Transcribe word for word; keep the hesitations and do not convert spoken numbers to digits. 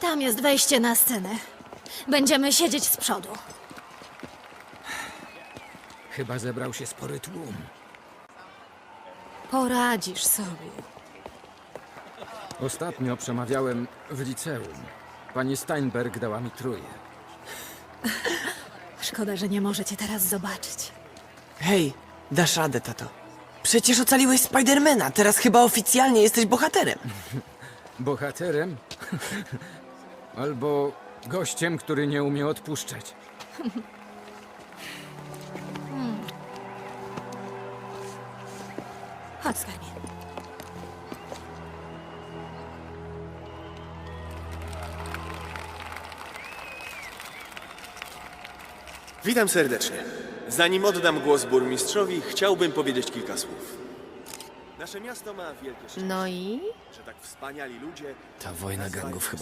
Tam jest wejście na scenę. Będziemy siedzieć z przodu. Chyba zebrał się spory tłum. Poradzisz sobie. Ostatnio przemawiałem w liceum. Pani Steinberg dała mi trójkę. Szkoda, że nie możecie teraz zobaczyć. Hej, dasz radę, tato. Przecież ocaliłeś Spidermana, teraz chyba oficjalnie jesteś bohaterem. Bohaterem? Albo gościem, który nie umie odpuszczać. Chodź, skarbie. Witam serdecznie. Zanim oddam głos burmistrzowi, chciałbym powiedzieć kilka słów. Nasze miasto ma wielkie szczęście, No i? że tak wspaniali ludzie... Ta wojna nazywają gangów się chyba